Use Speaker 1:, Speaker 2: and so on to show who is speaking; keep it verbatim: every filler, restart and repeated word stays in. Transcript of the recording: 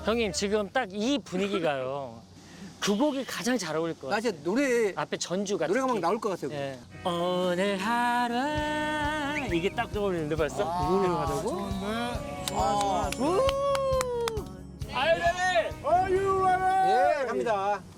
Speaker 1: 형님 지금 딱 이 분위기가요. 그 곡이 가장 잘 어울릴 것
Speaker 2: 나
Speaker 1: 같아요.
Speaker 2: 진짜 노래
Speaker 1: 앞에 전주가
Speaker 2: 노래가 막
Speaker 1: 특히.
Speaker 2: 나올 것 같아요.
Speaker 1: 예. 오늘 하루 이게 딱 떠오르는데 벌써? 그 곡으로 가자고?
Speaker 3: 좋은데. 좋아, 좋아.
Speaker 1: 아유, 네.
Speaker 3: Are you ready?
Speaker 2: 예, 갑니다.